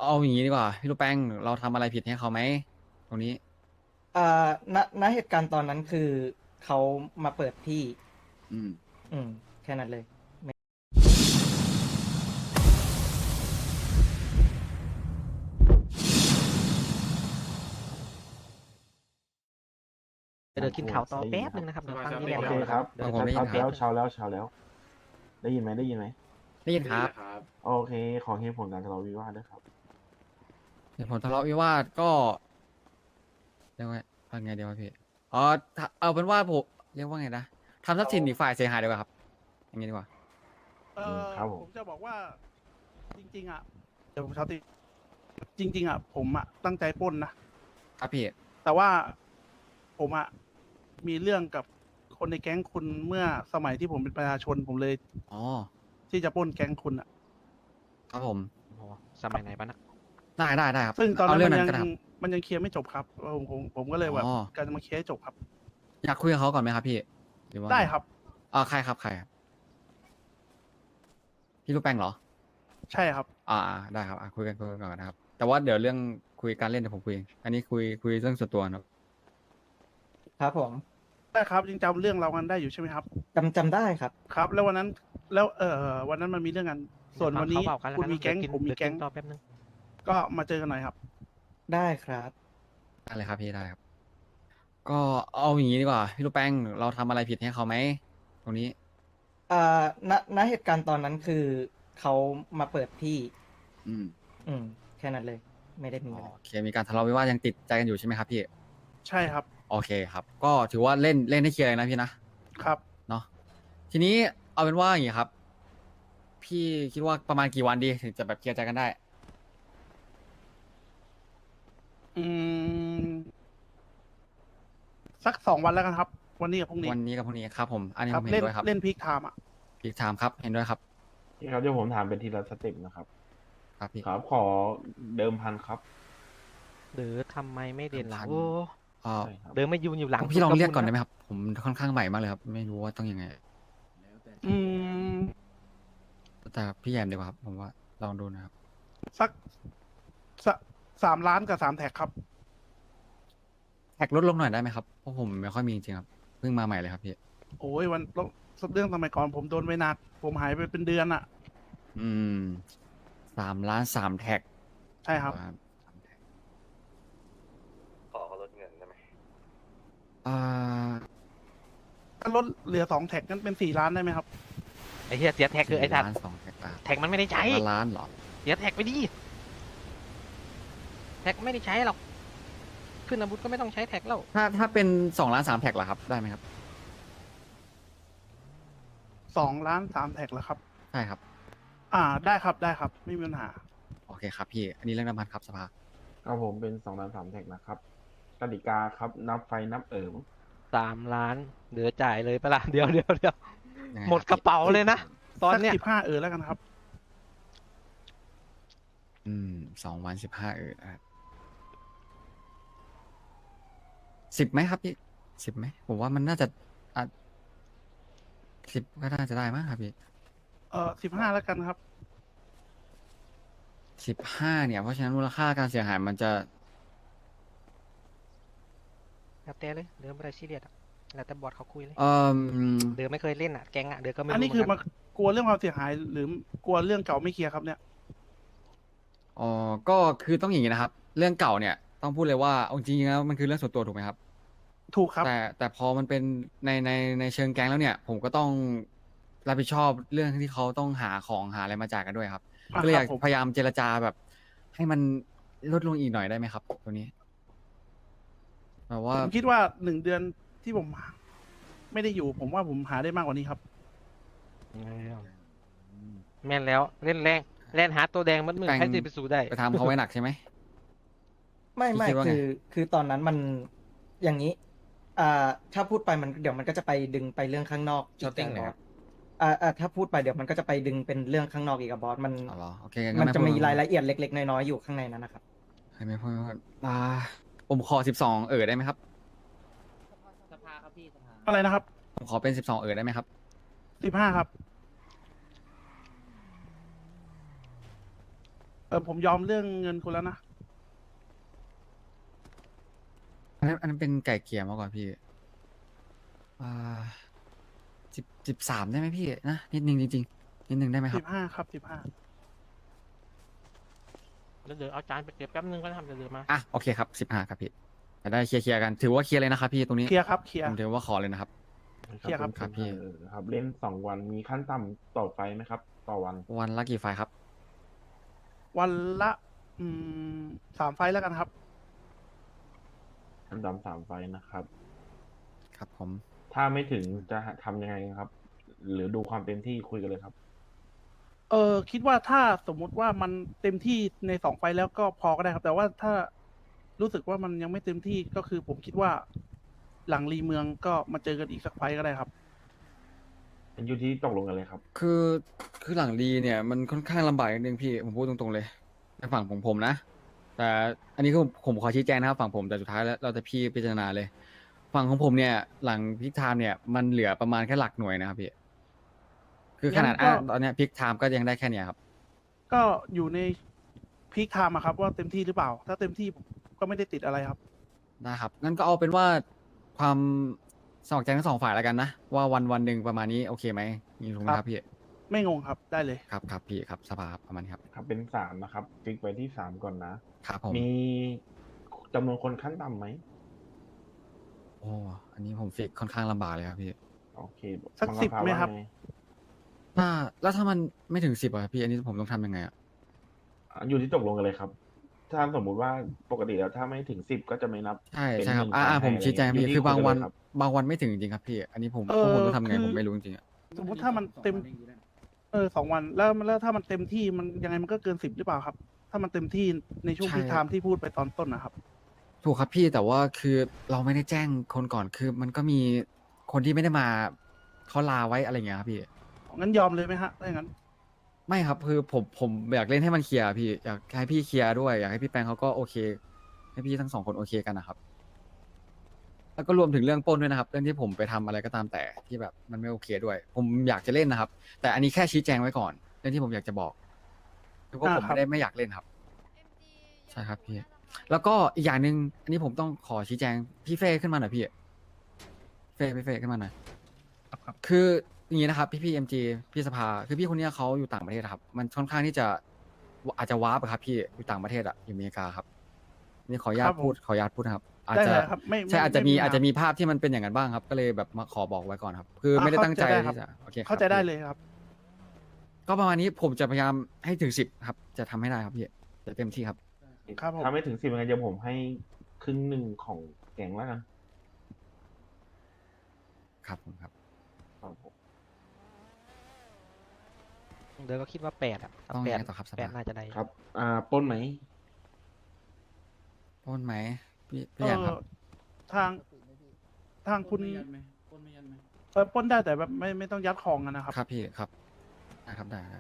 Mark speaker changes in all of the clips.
Speaker 1: เอาอย่างนี้ดีกว่าพี่ลูกแป้งเราทำอะไรผิดให้เขาไหมตรงนี้
Speaker 2: อ่าณเหตุการณ์ตอนนั้นคือเขามาเปิดที่
Speaker 1: อืม
Speaker 2: แค่นั้นเลย
Speaker 3: เดี๋ยวกินข่าวต่อแป๊บนึงนะครับเดี๋ยวฟังนี่แหละ
Speaker 4: โอเค
Speaker 3: เรา
Speaker 4: ครับ
Speaker 3: เดี๋ยว
Speaker 1: ผมได้ยินครับ
Speaker 4: เช้าแล้วได้ยินไหมได้ยินไหม
Speaker 1: ได้ยินครับ
Speaker 4: โอเคขอเหตุผลการทะเลาะวิวาทด้วยครับ
Speaker 1: เหตุผลทะเลาะวิวาทก็เรียกว่าไงเดียวะพี่อ๋อเอาเป็นว่าผมเรียกว่าไงนะทำทรัพย์สินอีกฝ่ายเสียหายดีกว่าครับอย่างนี้ดีกว่า
Speaker 4: ครับผม
Speaker 5: ผมจะบอกว่าจริงๆอ่ะเดี๋ยวผมเช้าตีจริง ๆอ่ะผมอ่ะตั้งใจปล้นนะครับ
Speaker 1: พี่
Speaker 5: แต่ว่าผมอ่ะมีเรื่องกับคนในแก๊งคุณเมื่อสมัยที่ผมเป็นประชาชนผมเลย
Speaker 1: อ๋อ
Speaker 5: ที่จะปล้นแก๊งคุณอ่ะ
Speaker 1: ครับผม
Speaker 3: โอ้โหสมัยไหนบ้างนะ
Speaker 1: ได้ครับ
Speaker 5: ซึ่งตอน
Speaker 1: เอา
Speaker 5: นั้น
Speaker 1: เรื่อ
Speaker 5: มั
Speaker 1: ง
Speaker 5: น
Speaker 1: นั้น
Speaker 5: ยัง
Speaker 1: ก็ได้ครับ
Speaker 5: มันยังเคลียร์ไม่จบครับผมก็เลยแบบ
Speaker 1: อ๋อ
Speaker 5: การจะมาเคลียร์ให้จบครับ
Speaker 1: อยากคุยกับเขาก่อนไหมครับพี่หรือว่า
Speaker 5: ได้ครับ
Speaker 1: ใครครับพี่ลูกแป้งเหรอ
Speaker 5: ใช่ครับ
Speaker 1: ได้ครับคุยกันก่อนนะครับแต่ว่าเดี๋ยวเรื่องคุยการเล่นเดี๋ยวผมคุยเองอันนี้คุยเรื่องส่วนตัวนะครับ
Speaker 2: ครับผม
Speaker 5: ได้ครับยังจำเรื่องเรากันได้อยู่ใช่ไหมครับ
Speaker 2: จำได้ครับ
Speaker 5: ครับ แล้ววันนั้นแล้ววันนั้นมันมีเรื่องกันส่วนวันนี้
Speaker 3: เดี๋ยฟังเขาเบากันแล้ว
Speaker 5: คุณ
Speaker 3: กัน
Speaker 5: มีแก๊ง
Speaker 3: เดี๋ยว
Speaker 5: ผมมีแก๊ง
Speaker 3: เดี๋ยวต่อแป๊บนึง
Speaker 5: ก็มาเจอกันหน่อยครับ
Speaker 2: ได้ครับ
Speaker 1: อะไรครับพี่ได้ครับ ก็เอาอย่างนี้ดีกว่าพี่ลูกแป้งเราทำอะไรผิดให้เขาไหมตรงนี้
Speaker 2: ณเหตุการณ์ตอนนั้นคือเขามาเปิดที่
Speaker 1: อืม
Speaker 2: แค่นั้นเลย ไม่ได้มีอะไร
Speaker 1: โอเคมีการทะเลาะวิวาทยังติดใจกันอยู่ใช่ไหมครับพี่
Speaker 5: ใช่ครับ
Speaker 1: โอเคครับ ก็ถือว่าเล่นให้เคลียร์เลยนะพี่นะครับ เนาะทีนี้เอาเป็นว่าอย่างนี้ครับ พี่คิดว่าประมาณกี่วันดีถึงจะแบบเคลียร์ใจกันได้
Speaker 5: อืมสัก2 วันแล้วกันครับ วันนี้กับพรุ่งนี้
Speaker 1: วันนี้กับพรุ่งนี้ครับผมอันนี้
Speaker 5: ค
Speaker 1: ผ
Speaker 5: รับ
Speaker 1: มเห็นด้วยครับ
Speaker 5: เล่นพีคไทม์อ่ะ
Speaker 1: พีกไทม์ครับเห็นด้วยครับ
Speaker 4: นี่ครับเดี๋ยวผมถามเป็นทีละสเต็ปนะครับ
Speaker 1: ครับพี่
Speaker 4: ครับขอเดิมพันครับ
Speaker 3: หรือทำไมไม่เด่นหลัง
Speaker 1: พัน
Speaker 3: โอ้
Speaker 4: ใช่ครับ
Speaker 3: เดินไม่ยืนอยู่หลัง
Speaker 1: พี่ลองเรียกก่อนได้
Speaker 3: ไห
Speaker 1: ไหมครับ ผมค่อนข้างใหม่มากเลยครับ ไม่รู้ว่าต้องยังไง
Speaker 5: อืม
Speaker 1: แต่พี่แยมดีกว่าครับ ผมว่าลองดูนะครับ
Speaker 5: สัก3 ล้านกับ3 แท็กครับ
Speaker 1: แท็กลดลงหน่อยได้ไหมครับ เพราะผมไม่ค่อยมีจริงๆครับ เพิ่งมาใหม่เลยครับพี่
Speaker 5: โอ้ยเรื่องสมัยก่อนผมโดนไว้หนัก ผมหายไปเป็นเดือนอ่ะ
Speaker 1: อืม3 ล้าน 3 แท็ก
Speaker 5: ใช่ครับ
Speaker 1: 3 แท็ก
Speaker 6: ขอเขาลดเงินได้ไหม
Speaker 1: อ่า
Speaker 5: ถ้าลดเหลือ2 แท็กนั้นเป็น4 ล้านได้ไหมครับ
Speaker 3: ไอ้เหี้ยเสียแท็กคือไอ้สัตว์
Speaker 1: 4 ล้าน 2 แท็ก
Speaker 3: แท็กมันไม่ได้ใช้
Speaker 1: ล้านเหรอ
Speaker 3: เสียแท็กไปดิแท็กไม่ได้ใช้หรอกขึ้นอาวุธก็ไม่ต้องใช้แท็กแล้ว
Speaker 1: ถ้าเป็น2 ล้าน 3 แท็กล่ะครับ ได้ไหมครับ
Speaker 5: 2 ล้าน 3 แท็กเหรอครับ
Speaker 1: ใช่ครับ
Speaker 5: ได้ครับได้ครับ ไม่มีปัญหา
Speaker 1: โอเคครับพี่ อันนี้เรื่องน้ำมันครับสภา
Speaker 4: ครับผมเป็น2 ล้าน 3 แท็กนะครับกติกาครับนับไฟนับ
Speaker 3: 3 ล้านเหลือจ่ายเลยปะล่ะเดี๋ยว
Speaker 1: ยังไง
Speaker 3: หมด
Speaker 1: ค
Speaker 3: ก
Speaker 1: รับ
Speaker 3: ระเป๋าเลยนะ ตอน
Speaker 5: สัก
Speaker 3: เนี้ย
Speaker 5: 15แล้วกันครับ
Speaker 1: 2 วัน 15นะครับ10ไหมครับพี่10ไหมผมว่ามันน่าจะอ่ะ10ก็น่าจะได้มั้งครับพี่
Speaker 5: 15แล้วกันครับ
Speaker 1: 15เนี่ยเพราะฉะนั้นมูลค่าการเสียหายมันจะ
Speaker 3: แล้วแต่เลยเดินไม่ได้ซีเรียสอะแล้วแต่บอร์ดเขาคุยเลย
Speaker 1: เอ่อ
Speaker 3: เดินไม่เคยเล่นอ่ะแก๊งอ่ะเดินก็ไม่
Speaker 5: อัน
Speaker 3: รู้
Speaker 5: นี้
Speaker 3: เห
Speaker 5: คือ
Speaker 3: มือน
Speaker 5: มา
Speaker 3: กัน
Speaker 5: กลัวเรื่องความเสียหาย หรือกลัวเรื่องเก่าไม่เคลียร์ครับเนี่ย
Speaker 1: อ๋อก็คือต้องอย่างนี้นะครับ เรื่องเก่าเนี่ยต้องพูดเลยว่าเอาจริงๆแล้วมันคือเรื่องส่วนตัวถูกไหมครับ
Speaker 5: ถูกครับ
Speaker 1: แต่พอมันเป็นในเชิงแก๊งแล้วเนี่ย ผมก็ต้องรับผิดชอบเรื่องที่เขาต้องหาของหาอะไรมาจ่ายกันด้วยครับ ก็เลยอยาก
Speaker 5: ครับผม
Speaker 1: พยายามเจรจาแบบ ให้มันลดลงอีกหน่อยได้ไหมครับตัวนี้แบบว่า
Speaker 5: ผมคิดว่า1 เดือนที่ผมไม่ได้อยู่ ผมว่าผมหาได้มากกว่านี้ครับ
Speaker 3: แม่นแล้วเล่นแรงเล่นหาตัวแดงมันมือ
Speaker 1: แป้ง
Speaker 3: ใครจะไปสู้ได้
Speaker 1: ไปทำเขาไว้หนักใช่ไหม
Speaker 2: ไม่
Speaker 1: พี่คิดว่าไง
Speaker 2: คือตอนนั้นมันอย่างนี้ ถ้าพูดไปมันเดี๋ยวมันก็จะไปดึงไปเรื่องข้างนอกอีกบอสถ้าพูดไปเดี๋ยวมันก็จะไปดึงเป็นเรื่องข้างนอกอีกอะบอสมัน
Speaker 1: อ๋อเหรอโอเค
Speaker 2: มัน
Speaker 1: ไพู
Speaker 2: จะ
Speaker 1: ด
Speaker 2: มีรายละเอียดเล็กๆน้อยๆอยู่ข้างในนั้นนะครับ
Speaker 1: ให้ไม่พูดผมขอ12ได้ไหมครับ
Speaker 5: อะไรนะครับ
Speaker 1: ผมขอเป็น12ได้ไหมครับ
Speaker 5: 15ครับผมยอมเรื่องเงินคุณแล้วนะ
Speaker 1: อันนั้นเป็นไก่เกลี่ยมากกว่าพี่อ่า13ได้ไหมพี่นะนิดนึงจริงๆนิดนึงได้ไหมครับ
Speaker 5: 15 ครับ 15
Speaker 3: เดี๋ยวเอาจานไปเก็บแป๊บนึงก็ทำเดี๋ยวมา
Speaker 1: อ่ะโอเคครับ15ครับพี่จะได้เคลียร์กันถือว่าเคลียร์เลยนะครับพี่ตรงนี้
Speaker 5: เคลียร์ครับ เคลียร์
Speaker 1: ผมถือว่าขอเลยนะครับ
Speaker 5: เคลียร์ครับ
Speaker 1: ครับพี่
Speaker 4: ครับเล่น2 วันมีขั้นต่ำต่อไฟล์ไหมครับ ต่อวัน
Speaker 1: วันละกี่ไฟล์ครับ
Speaker 5: วันละ3 ไฟล์แล้วกันครับ
Speaker 4: ขั้นต่ำ3 ไฟล์นะครับ
Speaker 1: ครับผม
Speaker 4: ถ้าไม่ถึงจะทำยังไงครับ หรือดูความเต็มที่คุยกันเลยครับ
Speaker 5: คิดว่าถ้าสมมุติว่ามันเต็มที่ใน2 ไฟล์แล้วก็พอก็ได้ครับ แต่ว่าถ้ารู้สึกว่ามันยังไม่เต็มที่ก็คือผมคิดว่าหลังรีเมืองก็มาเจอกันอีกสักไฟล์ก็ได้ครับ
Speaker 4: เป็นอยู่ที่ตกลงกันเลยครับ
Speaker 1: คือหลังดีเนี่ยมันค่อนข้างลำบากนิดนึงพี่ผมพูดตรงๆเลยในฝั่งของผมนะ แต่อันนี้คือผมขอชี้แจงนะครับฝั่งผมแต่สุดท้ายแล้วเราจะพี่พิจารณาเลย ฝั่งของผมเนี่ยหลังพิกไทม์เนี่ยมันเหลือประมาณแค่หลักหน่วยนะครับพี่คือขนาด
Speaker 5: งั้นก็
Speaker 1: ตอนเนี้ยพิกไทม์ก็ยังได้แค่เนี้ยครับ
Speaker 5: ก็อยู่ในพีคไทม์อะครับ ว่าเต็มที่หรือเปล่า ถ้าเต็มที่ก็ไม่ได้ติดอะไรครับ
Speaker 1: ได้ครับงั้นก็เอาเป็นว่าความสมัครใจทั้งสองฝ่ายแล้วกันนะว่าวันหนึ่งประมาณนี้โอเคไหมนี่ถูกไหมครับพี่
Speaker 5: ไม่งงครับได้เลย
Speaker 1: ครับพี่ครับสภาครับประมาณนี้ครับ
Speaker 4: ครับเป็น3นะครับฟิกไว้ที่3ก่อนนะ
Speaker 1: ครับผม
Speaker 4: มีจำนวนคนขั้นต่ำไหม
Speaker 1: โอ้อันนี้ผมฟิกค่อนข้างลำบากเลยครับพี่
Speaker 4: โอเค
Speaker 5: สัก
Speaker 4: ฟัง
Speaker 5: 10
Speaker 4: คำถา
Speaker 5: ไหมครับ
Speaker 4: ว่าไง
Speaker 1: แล้วถ้ามันไม่ถึง10อ่ะพี่อันนี้ผมต้องทำยังไงอ่ะ
Speaker 4: อยู่ที่ตกลงกันเลยครับ ถ้าสมมุติว่าปกติแล้วถ้าไม่ถึง10ก็จะไม่นับ
Speaker 1: ใช่
Speaker 4: เป็น
Speaker 1: ใช่ครับ
Speaker 4: หนึ่งไฟล์
Speaker 1: ผม
Speaker 4: ให้
Speaker 1: ชี้แจง
Speaker 4: อะไร
Speaker 1: พี่
Speaker 4: เงี้ย
Speaker 1: คือบางวัน
Speaker 4: อยู่ที่คุยกันเลยครับ
Speaker 1: บางวันไม่ถึงจริงครับพี่ อันนี้ผม
Speaker 5: เออ
Speaker 1: ผมต้องทำไง
Speaker 5: คือ
Speaker 1: ผมไม่รู้จริงๆอ่ะ
Speaker 5: สมมติถ้ามันเต็ม 2 วันแล้วถ้ามันเต็มที่มันยังไงมันก็เกิน 10หรือเปล่าครับ ถ้ามันเต็มที่ในช่วง
Speaker 1: ใช่
Speaker 5: พีคไทม์ที่พูดไปตอนต้นนะครับ
Speaker 1: ถูกครับพี่แต่ว่าคือเราไม่ได้แจ้งคนก่อนคือมันก็มีคนที่ไม่ได้มาเขาลาไว้อะไรอย่างเงี้ยครับพี่
Speaker 5: งั้นยอมเลยไหมฮะถ้าอย่างนั้น
Speaker 1: ไม่ครับคือผมอยากเล่นให้มันเคลียร์พี่อยากให้พี่เคลียร์ด้วยอยากให้พี่แปงเขาก็โอเค ให้พี่ทั้งสองคนโอเคกันนะครับ แล้วก็รวมถึงเรื่องปล้นด้วยนะครับ เรื่องที่ผมไปทำอะไรก็ตามแต่ที่แบบมันไม่โอเคด้วย ผมอยากจะเล่นนะครับ แต่อันนี้แค่ชี้แจงไว้ก่อนเรื่องที่ผมอยากจะบอกคือว่าผม
Speaker 5: ครับ
Speaker 1: ไม่อยากเล่นครับ ใช่ครับพี่ แล้วก็อีกอย่างหนึ่งอันนี้ผมต้องขอชี้แจงพี่เฟ่ขึ้นมาหน่อยพี่พี่เฟ่ขึ้นมาหน่อยคืออย่างนี้นะครับพี่เอ็มจีพี่สภาคือพี่คนเนี้ยเขาอยู่ต่างประเทศครับ มันค่อนข้างที่จะอาจจะวาร์ปอะครับพี่อยู่ต่างประเทศอะอยู่อเมริกาครับนี่ขออนุญา
Speaker 5: ค
Speaker 1: ต
Speaker 5: รับผม
Speaker 1: พูดนะครับ อาจ
Speaker 5: ได้
Speaker 1: จะ
Speaker 5: เลยครับไม่
Speaker 1: ใช่อาจจะมี
Speaker 5: ไปัญห
Speaker 1: อาจจะมีภาพที่มันเป็นอย่างนั้นบ้างครับ ก็เลยแบบมาขอบอกไว้ก่อนครับ คือไม่ได้ตั้งใจ
Speaker 5: เข้าใจได้ครับ
Speaker 1: ที่จะโอเคครับ
Speaker 5: เข้าใจได้
Speaker 1: พี่
Speaker 5: เลยครับ
Speaker 1: ก็ประมาณนี้ผมจะพยายามให้ถึง10ครับ จะทำให้ได้ครับพี่จะเต็มที่ครับ
Speaker 5: ครับผม
Speaker 4: ถ้าไม่ถึง10ยังไงเดี๋ยวผมให้ครึ่งหนึ่งของแกงแล้วกัน
Speaker 1: ครับผมครับ
Speaker 4: ครับผม
Speaker 3: เดี๋ยวก็คิดว่า8อ่ะ
Speaker 1: ต้อง
Speaker 3: แป
Speaker 1: ยัง
Speaker 3: ด
Speaker 1: ไงต่อครับส
Speaker 3: แปด
Speaker 1: ภา
Speaker 3: น่าจะได้
Speaker 4: ครับ ปล้นไหม
Speaker 1: ปล้นไหมพี่
Speaker 5: เอ
Speaker 1: อยากค
Speaker 5: อ
Speaker 1: รับ
Speaker 5: ทางคุณปล้นได้แต่แบบไม่ต้องยัดของกันนะครับ
Speaker 1: ครับพี่ครับได้ครับได้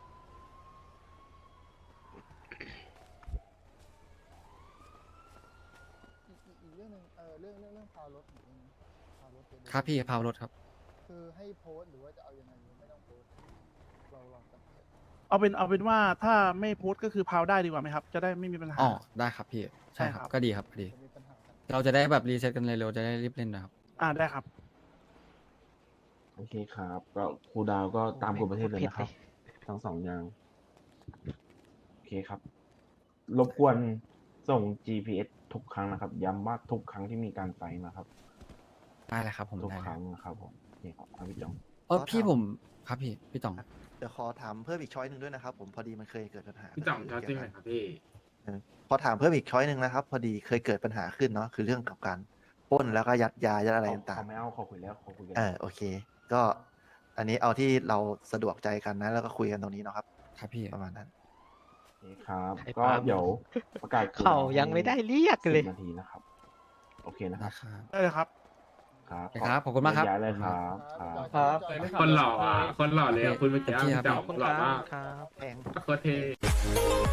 Speaker 7: อีกเรื่องหนึ่งเรื่องพาวรถหรือพาวรถเดี๋ยว
Speaker 1: ครับพี่พาวรถครับ
Speaker 7: คือให้โพสต์หรือว่าจะเอายังไงหรือไม่ต้องโพสต์เราลองกัน
Speaker 5: เอาเป็นว่าถ้าไม่โพสต์ก็คือพาวได้ดีกว่าไหมครับ จะได้ไม่มีปัญหา
Speaker 1: อ๋อได้ครับพี่ใช่
Speaker 5: ใช่
Speaker 1: ค
Speaker 5: ครั
Speaker 1: รับบ ก็ดีครับก็ดี
Speaker 7: จะมีปัญหากัน
Speaker 1: เราจะได้แบบรีเซ็ตกันเร็วๆจะได้รีบเล่นนะครับ
Speaker 5: ได้ครับ
Speaker 4: โอเคครับ ก็ครูดาวก็ตามกฎประเทศเลยนะครับ ทั้ง2อย่างโอเคครับ รบกวนส่ง GPS ทุกครั้งนะครับ ย้ำว่าทุกครั้งที่มีการไฟท์นะครับ
Speaker 1: ได้เลยครับผม
Speaker 4: ทุก
Speaker 1: ได้
Speaker 4: ค
Speaker 1: เลย
Speaker 4: รั้งนะครับผมนี่ครับพี่จอง
Speaker 1: พี่ผมครับพี่ต่อง
Speaker 8: เดี๋ยวขอถามเพิ่มอีกช้อยหนึ่งด้วยนะครับผมพอดีมันเคยเกิดปัญหา
Speaker 9: พี่จ่องชอบจริงไหมครับพี่
Speaker 8: พอถามเพิ่มอีกช้อยหนึ่งนะครับ พอดีเคยเกิดปัญหาขึ้นเนาะคือเรื่องกับการปล้นแล้วก็ยัดยายัดอะไรต่าง
Speaker 4: เขาไม่เอาเขาคุยแล้วเขาคุยกัน
Speaker 8: ๆโอเค ก็อันนี้เอาที่เราสะดวกใจกันนะ แล้วก็คุยกันตรงนี้เนาะครับ
Speaker 1: ครับพี่
Speaker 8: ประมาณนั้น
Speaker 4: โอเคครับ
Speaker 3: ไอ้
Speaker 4: ก็
Speaker 3: ปาล์ม
Speaker 4: เดี๋ยวประกาศ
Speaker 3: เขายังไม่ได้เรียกเลย
Speaker 4: 10 นาทีนะครับ โอเคนะค
Speaker 1: ได้
Speaker 4: รับ
Speaker 1: ครับ
Speaker 5: ได้เลยครับ
Speaker 4: ครับ
Speaker 1: โอเคครับขอบคุณมากครับ
Speaker 4: ย้ายเลยครับครับ
Speaker 2: ครับ
Speaker 9: คนหล่ออ่ะ คนหล่อเลยอ่ะคุณเมื่อกี้
Speaker 1: เต็มที่ครับ
Speaker 9: พี่จ่อง
Speaker 3: ขอบคุณ
Speaker 9: หล่อ
Speaker 3: ครั
Speaker 9: มา
Speaker 3: บ
Speaker 9: ก
Speaker 3: ครับ
Speaker 8: แพง
Speaker 9: โคตรเท่